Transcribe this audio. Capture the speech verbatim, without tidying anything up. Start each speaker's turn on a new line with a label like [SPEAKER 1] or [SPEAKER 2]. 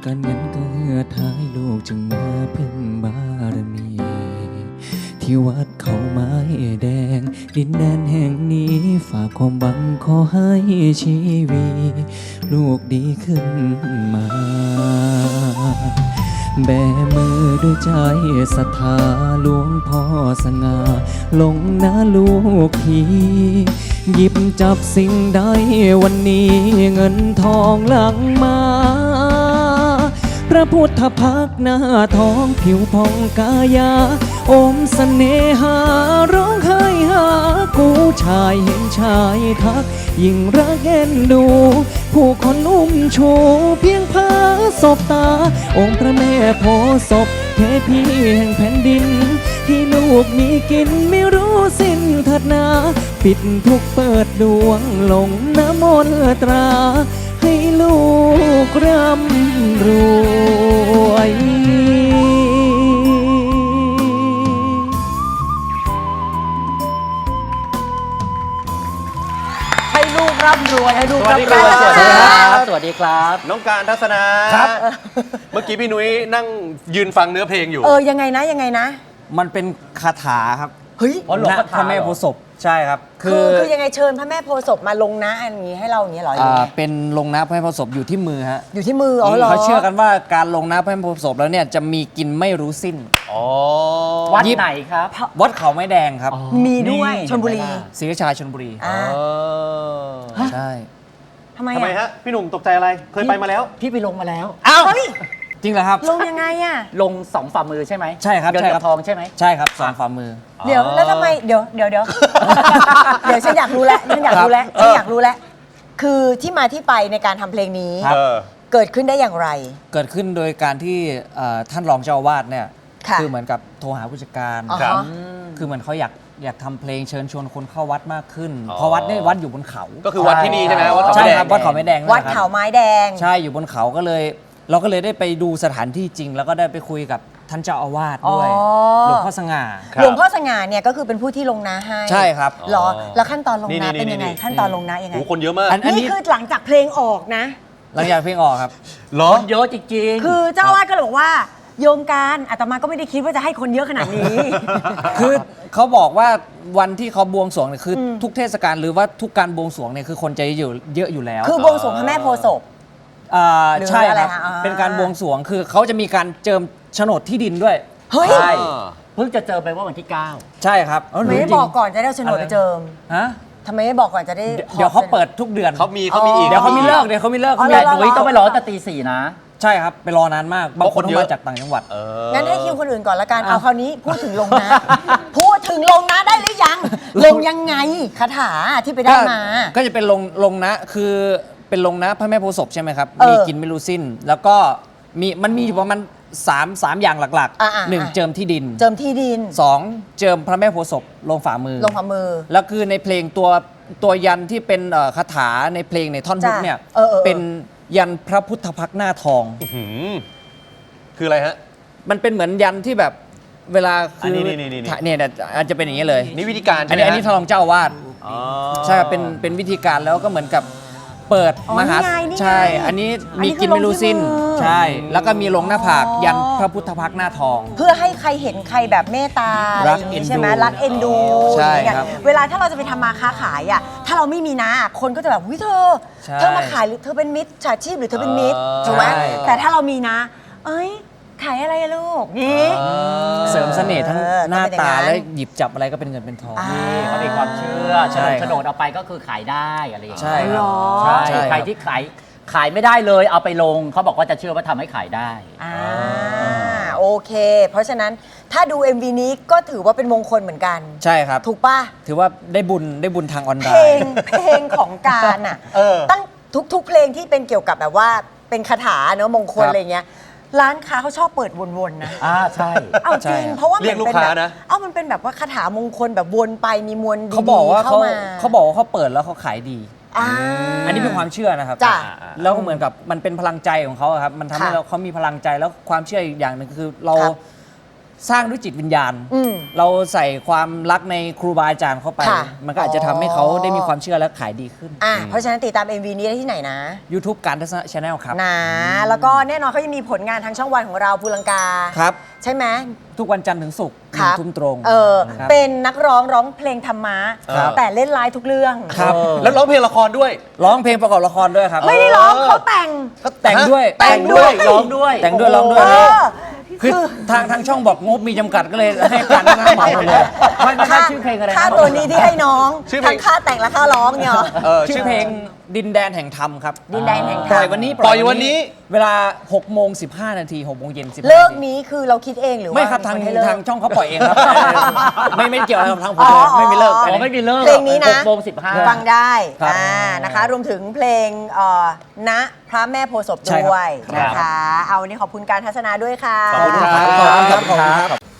[SPEAKER 1] การเงินก็เหือดหายลูกจึงมาพึ่งบารมี ที่วัดเขาไม้แดงดินแดนแห่งนี้ฝากความหวังขอให้ชีวิตลูกดีขึ้นมาแบมือด้วยใจศรัทธาหลวงพ่อสง่าลงนะลูกพี่หยิบจับสิ่งใดวันนี้เงินทองหลั่งมาพระพุทธพักหน้าทองผิวพองกายาอมเสน่หาร้องไห้หากูชายเห็นชายทักยิ่งรักเอ็นดูผู้คนอุ้มชูเพียงพาศพตาองค์พระแม่โพธิ์ศพเทพีแห่งแผ่นดินที่ลูกมีกินไม่รู้สิ้นเถิดนาปิดทุกเปิดดวงลงน้ำมนต์ตราให้ลูกร่ำรวย
[SPEAKER 2] ให้ลูกร่ำรวยให้ลูก
[SPEAKER 3] สวัสดี
[SPEAKER 2] ร่ำรวย
[SPEAKER 3] ครับ
[SPEAKER 2] สวัสดีครับสวัสดีครับ
[SPEAKER 3] น้องการทัศนา
[SPEAKER 2] ครับ
[SPEAKER 3] เมื่อกี้พี่นุ้ยนั่งยืนฟังเนื้อเพลงอยู่
[SPEAKER 4] เออยังไงนะยังไงนะ
[SPEAKER 1] มันเป็นคาถาครับ
[SPEAKER 4] เฮ้ย
[SPEAKER 2] อ๋อหลวงพ่อ
[SPEAKER 1] พระแม่โพธิ์ศพใช่ครับ
[SPEAKER 4] คือคือยังไงเชิญพระแม่โพธิ์ศพมาลงนะอันนี้ให้เราอย่างนี้เหรอหรือ
[SPEAKER 1] อ่า
[SPEAKER 4] ไง
[SPEAKER 1] เป็นลงน้ำพระแม่โพธิ์ศพอยู่ที่มือฮะ
[SPEAKER 4] อยู่ที่มืออ๋อเหรอ
[SPEAKER 1] เขาเชื่อกันว่าการลงน้ำพระแม่โพธิ์ศพแล้วเนี่ยจะมีกินไม่รู้สิ้น
[SPEAKER 3] อ๋อ
[SPEAKER 2] วัด
[SPEAKER 1] ยิบ
[SPEAKER 2] ไหนครับ
[SPEAKER 1] วัดเขาไม้แดงครับ
[SPEAKER 4] มีด้วย
[SPEAKER 2] นี่
[SPEAKER 4] ชลบุรี
[SPEAKER 1] ศรีราชาชลบุรี
[SPEAKER 4] อ่า
[SPEAKER 3] เออ
[SPEAKER 1] ใช่
[SPEAKER 4] ทำไม
[SPEAKER 3] ทำไม
[SPEAKER 4] อ่ะ
[SPEAKER 3] ฮะ พี่หนุ่มตกใจอะไร เคยไปมาแล้ว
[SPEAKER 2] พี่ไปลงมาแล้ว
[SPEAKER 1] อ้าว
[SPEAKER 4] เฮ้ย
[SPEAKER 1] จริงเหรอครับ
[SPEAKER 4] ลงยังไงอ่ะ
[SPEAKER 2] ลงสองฝ่ามือใช่ไหม
[SPEAKER 1] ใช่ครับ
[SPEAKER 2] เงิน
[SPEAKER 1] ใช่ครั
[SPEAKER 2] กับบ ทองใช่ไหม
[SPEAKER 1] ใช่ครับสองฝ่ามือ
[SPEAKER 4] เดี๋ยวแล้วทำไมเดี๋ยวเดี๋ยวเดี๋ยว เดี๋ยวฉันอยากรู้แล้วฉันอยากรู้แล้ว
[SPEAKER 3] ครับ
[SPEAKER 4] ฉันอยากรู้แล้วคือที่มาที่ไปในการทำเพลงนี้
[SPEAKER 1] ครับ
[SPEAKER 3] เออ
[SPEAKER 4] เกิดขึ้นได้อย่างไร
[SPEAKER 1] เกิดขึ้นโดยการที่เอ่อท่านรองเจ้าอาวาสเนี่ย
[SPEAKER 4] ค่ะ
[SPEAKER 1] อเหมือนกับโทรหาผู้จัดการ
[SPEAKER 4] อ๋อ
[SPEAKER 3] ครับ
[SPEAKER 4] ฮะ
[SPEAKER 1] คือเหมือนเขาอยากอยากทำเพลงเชิญชวนคนเข้าวัดมากขึ้น
[SPEAKER 3] อ๋อ
[SPEAKER 1] เพราะวัดเนี่ยวัดอยู่บนเขา
[SPEAKER 3] ก็คือวัดที่นี่ใช่ไหมวัดเขา
[SPEAKER 1] ใช่
[SPEAKER 3] ไม่แด
[SPEAKER 1] ครับ
[SPEAKER 3] ง
[SPEAKER 1] วัดเขาไม่แดงนั่นแห
[SPEAKER 4] วัด
[SPEAKER 1] ละครับ
[SPEAKER 4] เขาไม้แดง
[SPEAKER 1] ใช่อยู่บนเขาก็เลย เราก็เลยได้ไปดูสถานที่จริง แล้วก็ได้ไปคุยกับท่านเจ้าอาวาสด้วย
[SPEAKER 4] อ๋อ
[SPEAKER 1] หลวงพ่อสง่า
[SPEAKER 3] ครับ
[SPEAKER 4] หลวงพ่อสง่าเนี่ยก็คือเป็นผู้ที่ลงนาให้
[SPEAKER 1] ใช่ครับ
[SPEAKER 4] เหรอแล้วขั้นตอนลง
[SPEAKER 3] นี่
[SPEAKER 4] นา
[SPEAKER 3] นี่
[SPEAKER 4] เป็นยังไง
[SPEAKER 3] นี่
[SPEAKER 4] ขั้นตอนลงนายังไง
[SPEAKER 3] โอ้คนเยอะมาก
[SPEAKER 1] อันอัน
[SPEAKER 4] นี่
[SPEAKER 1] นี้
[SPEAKER 4] คือหลังจากเพลงออกนะ
[SPEAKER 1] หลังจากเพลงออกครับ
[SPEAKER 3] เหรอ
[SPEAKER 2] คนเยอะจริงๆ
[SPEAKER 4] คือเจ้าอาวาสก็เลยบอกว่าโยมการอาตมาก็ไม่ได้คิดว่าจะให้คนเยอะขนาดนี้
[SPEAKER 1] คือเขาบอกว่าวันที่เขาบวงสรวงเนี่ยคืออ
[SPEAKER 4] ม
[SPEAKER 1] ทุกเทศกาลหรือว่าทุกการบวงสรวงเนี่ยคือคนจะอยู่เยอะอยู่แล้ว
[SPEAKER 4] คือบวงสรวงพระแม่โพธิ์ศพ
[SPEAKER 1] อ่า
[SPEAKER 4] หรือ
[SPEAKER 1] ใช่
[SPEAKER 4] อะไร
[SPEAKER 1] ครับ
[SPEAKER 4] คะอ่า
[SPEAKER 1] เป็นการบวงสรวงคือเขาจะมีการเจิมโฉนดที่ดินด้วย
[SPEAKER 4] เฮ้ย
[SPEAKER 2] ใช่ เพิ่งจะเจอไปว่าวันที่เก้า
[SPEAKER 1] ใช่ครับเ
[SPEAKER 4] ไม่ได้บอกก่อนจะได้เอาโฉนดไปเจิม
[SPEAKER 1] ฮะ
[SPEAKER 4] ทำไมไม่บอกก่อนจะได้
[SPEAKER 1] เดี๋ยวเขาเปิดทุกเดือน
[SPEAKER 3] เขามีเขามีอีก
[SPEAKER 1] เดี๋ยวเขามีเลิกเดี๋ยวเขามีเลิก
[SPEAKER 4] อ๋อ
[SPEAKER 1] เขามี
[SPEAKER 4] เหรอ
[SPEAKER 2] หนุ่ยต้องไปรอตั้งแต่ตีสี่นะ
[SPEAKER 1] ใช่ครับไปรอนานมากบางคน
[SPEAKER 3] เพราะคนเย
[SPEAKER 1] เขา
[SPEAKER 3] อะ
[SPEAKER 1] มาจากต่างจังหวัด
[SPEAKER 3] เออ
[SPEAKER 4] งั้นให้คิวคนอื่นก่อนละกัน
[SPEAKER 1] อ่ะ
[SPEAKER 4] เอาคราวนี้พูดถึงลงนะ พูดถึงลงนะได้หรือยัง ลงยังไงคาถาที่ไปได้มา
[SPEAKER 1] ก็ก็จะเป็นลงลงนะคือเป็นลงนะพระแม่โพธิ์ศพใช่ไหมครับ
[SPEAKER 4] เออ
[SPEAKER 1] มีกินไม่รู้สิ้น แล้วก็มีมันมีอยู่ประมาณสามสามอย่างหลัก
[SPEAKER 4] อ่ะอ่ะ
[SPEAKER 1] ๆหนึ่ง
[SPEAKER 4] อ่ะ
[SPEAKER 1] เจิมที่ดิน
[SPEAKER 4] เจิมที่ดิน
[SPEAKER 1] สองเจิมพระแม่โพธิ์ศพลงฝ่ามือ
[SPEAKER 4] ลงฝ่ามือ
[SPEAKER 1] แล้วคือในเพลงตัวตัวยันที่เป็นเอ่อคาถาในเพลงในท่อนฮุก
[SPEAKER 4] จ้ะ
[SPEAKER 1] เนี่ย
[SPEAKER 4] เออเออเออ
[SPEAKER 1] เป็นยันพระพุทธพักตร์หน้าทอง
[SPEAKER 3] อื้อหือคืออะไรฮะ
[SPEAKER 1] มันเป็นเหมือนยันที่แบบเวลาคื
[SPEAKER 3] น
[SPEAKER 1] อ
[SPEAKER 3] นี้นี่นี่นี่
[SPEAKER 1] ถ่ายเนี่ยเนี่ยอาจจะเป็นอย่างนี้เลย
[SPEAKER 3] นี่วิธีการ
[SPEAKER 1] อัน
[SPEAKER 3] ใช่ไหม
[SPEAKER 1] นี้อันนี้ทางรองเจ้าอาวาส
[SPEAKER 3] อ๋อ
[SPEAKER 1] ใช่ครับเป็นเป็นวิธีการแล้วก็เหมือนกับเปิด
[SPEAKER 4] อ๋อ
[SPEAKER 1] มหา
[SPEAKER 4] นี่ไงนี่ไง
[SPEAKER 1] ใช่ อันนี้
[SPEAKER 4] อันนี้
[SPEAKER 1] มีกินไม่รู้สิ้น
[SPEAKER 4] คือลงที่มือ
[SPEAKER 1] ใช่ แล้วก็มีลงหน้าผาก
[SPEAKER 4] อ๋อ
[SPEAKER 1] ยันพระพุทธพักตร์หน้าทอง
[SPEAKER 4] เพื่อให้ใครเห็นใครแบบเมตตาอะไร
[SPEAKER 1] รัก
[SPEAKER 4] อย่างนี้
[SPEAKER 1] เอ็นดู
[SPEAKER 4] ใช่ไหมรักเอ็นดู
[SPEAKER 1] ใช่
[SPEAKER 4] อย่างเงี้ย
[SPEAKER 1] ครับ
[SPEAKER 4] เวลาถ้าเราจะไปทำมาค้าขายอ่ะถ้าเราไม่มีนะคนก็จะแบบวิเธอ
[SPEAKER 1] ใช่
[SPEAKER 4] เธอมาขายหรือเธอเป็นมิตรฉาชีพหรือเธอเป็นมิตร
[SPEAKER 3] เออ
[SPEAKER 4] ถูกไหม
[SPEAKER 1] ใช่
[SPEAKER 4] แต่ถ้าเรามีนะ เอ้ยขายอะไรอะลูกนี่
[SPEAKER 1] เสริมเสน่ห์ทั้ง
[SPEAKER 4] เออ
[SPEAKER 1] หน้า
[SPEAKER 4] ต้องเป็นอย่า
[SPEAKER 1] ตาง
[SPEAKER 4] นั้น
[SPEAKER 1] และหยิบจับอะไรก็เป็นเงินเป็นทอง
[SPEAKER 4] อ่า
[SPEAKER 2] นี่เขามีความเชื่อ
[SPEAKER 1] ใช่
[SPEAKER 2] โฉนดเอาไปก็คือขายได้อะไรอย่างเงี้ย
[SPEAKER 1] ใช่ครับ
[SPEAKER 4] หรอ
[SPEAKER 2] ใช่
[SPEAKER 1] ใช่ครับ
[SPEAKER 2] ใครที่ขายขายไม่ได้เลยเอาไปลงเขาบอกว่าจะเชื่อว่าทำให้ขายได้
[SPEAKER 4] อ่าโอเค เพราะฉะนั้นถ้าดู เอ็ม วี นี้ก็ถือว่าเป็นมงคลเหมือนกัน
[SPEAKER 1] ใช่ครับ
[SPEAKER 4] ถูกป่ะ
[SPEAKER 1] ถือว่าได้บุญได้บุญทางออนไล
[SPEAKER 4] เพลง
[SPEAKER 1] น์
[SPEAKER 4] เพลงของการอ่ะ
[SPEAKER 3] เออ
[SPEAKER 4] ตั้งทุก ๆ เพลงที่เป็นเกี่ยวกับแบบว่าเป็นคาถาเนอะมงคล
[SPEAKER 1] ครับ
[SPEAKER 4] อะไรเงี้ยร้านค้าเขาชอบเปิดวนๆนะ
[SPEAKER 2] อ่าใช่
[SPEAKER 4] เอาจริง
[SPEAKER 1] ใช่
[SPEAKER 4] เพราะว่า
[SPEAKER 3] เรียก
[SPEAKER 4] มัน
[SPEAKER 3] ลูก
[SPEAKER 4] เป็น
[SPEAKER 3] ค้า
[SPEAKER 4] แบบ
[SPEAKER 3] นะ
[SPEAKER 4] เอ้ามันเป็นแบบว่าคาถามงคลแบบวนไปมีมวลดีๆ
[SPEAKER 1] เขาบอกว่า
[SPEAKER 4] เข้า
[SPEAKER 1] เขา
[SPEAKER 4] มา
[SPEAKER 1] เขาบอกว่าเขาเปิดแล้วเขาขายดี
[SPEAKER 4] อ่า
[SPEAKER 1] อันนี้เป็นความเชื่อนะครับ
[SPEAKER 4] จ้ะ
[SPEAKER 1] แล้วก็เหมือนกับมันเป็นพลังใจของเขาอะครับ มันทำให้
[SPEAKER 4] ค่ะ
[SPEAKER 1] เราเขามีพลังใจแล้วความเชื่ออีกอย่างหนึ่งคือเรา
[SPEAKER 4] ครับ
[SPEAKER 5] สร้างด้วยจิตวิญญาณ
[SPEAKER 4] อืม
[SPEAKER 5] เราใส่ความรักในครูบาอาจารย์เข้าไป
[SPEAKER 4] ค่ะ
[SPEAKER 5] มันก็อาจจะทำให้เขาได้มีความเชื่อและขายดีขึ้น
[SPEAKER 4] อ่ะเพราะฉะนั้นติดตาม เอ็ม วี นี้ได้ที่ไหนนะ
[SPEAKER 5] YouTube การทัศนะ Channel ครับ
[SPEAKER 4] นะแล้วก็แน่นอนเขายังมีผลงานทางช่องวันของเราภูลังกา
[SPEAKER 5] ครับ
[SPEAKER 4] ใช่ไหม
[SPEAKER 5] ทุกวันจันทร์ถึงศุกร์ห
[SPEAKER 4] ค
[SPEAKER 5] นึ่
[SPEAKER 4] รั
[SPEAKER 5] ง
[SPEAKER 4] บ
[SPEAKER 5] ทุ่มตรง
[SPEAKER 4] เออ
[SPEAKER 5] ครับ
[SPEAKER 4] เป็นนักร้องร้องเพลงธรรมะ
[SPEAKER 5] ครับ
[SPEAKER 4] แต่เล่นไลฟ์ทุกเรื่อง
[SPEAKER 5] ครับ
[SPEAKER 3] แล้วร้องเพลงละครด้วย
[SPEAKER 5] ร้องเพลงประกอบละครด้วยครับ
[SPEAKER 4] ไม่ได้ร้องเขาแต่ง
[SPEAKER 5] แต่งด้วย
[SPEAKER 4] แต่งด้วย
[SPEAKER 2] ร้องด้วย
[SPEAKER 5] แต่งด้วยร้องด้ว
[SPEAKER 4] เอย อ
[SPEAKER 5] คือทางทางช่องบอกงบมีจำกัดก็เลยให้การทัศนะเหมาหมดเลย
[SPEAKER 2] ไม่ไม่
[SPEAKER 4] ค่า
[SPEAKER 2] ชื่อเพลงอะไรนะ
[SPEAKER 4] ค่าตัวนี้ที่ให้น้อง
[SPEAKER 3] ชื่อเพลง
[SPEAKER 4] ทั้งค่าแต่งและค่าร้องเนี่ยเหรอ
[SPEAKER 3] เออ
[SPEAKER 5] ชื่อเพลงดินแดนแห่งธรรมครับ
[SPEAKER 4] ดินแดนแห่งธ
[SPEAKER 5] ป
[SPEAKER 4] ร
[SPEAKER 5] ล่
[SPEAKER 4] ร
[SPEAKER 5] อย
[SPEAKER 4] ม
[SPEAKER 5] วันนี้
[SPEAKER 3] ปล่อยวันนี้
[SPEAKER 5] เวลาหกโมงสิบห้านาทีหกโมงเย็นสิบห้า
[SPEAKER 4] เลิก
[SPEAKER 5] นาที
[SPEAKER 4] นี้คือเราคิดเองหรือว่า
[SPEAKER 5] ไม่ครับทาง
[SPEAKER 4] นให้เลิก
[SPEAKER 5] ทางช่องเขาปล่อยเองครับ ไม่ไม่เกี่ยวอะไรกับทางผม
[SPEAKER 4] อ๋อ
[SPEAKER 5] เลยไม่มีเลิก
[SPEAKER 4] อ๋อ
[SPEAKER 2] อ๋อไม่มีเลิก
[SPEAKER 4] เพลงนี้นะ
[SPEAKER 2] หกโมงสิบห้า
[SPEAKER 4] ฟังได้
[SPEAKER 5] ครับ
[SPEAKER 4] อ่านะคะ รวมถึงเพลงเอ่อณพระแม่โพธิ์ศพ
[SPEAKER 5] ใช่ครับ
[SPEAKER 4] ด้วย
[SPEAKER 2] ครับ
[SPEAKER 4] นะคะ เอาวันนี้ขอบคุณการทัศนาด้วยค่ะ
[SPEAKER 3] ขอบคุณครับ
[SPEAKER 5] ขอบคุณครับขอบคุณครับ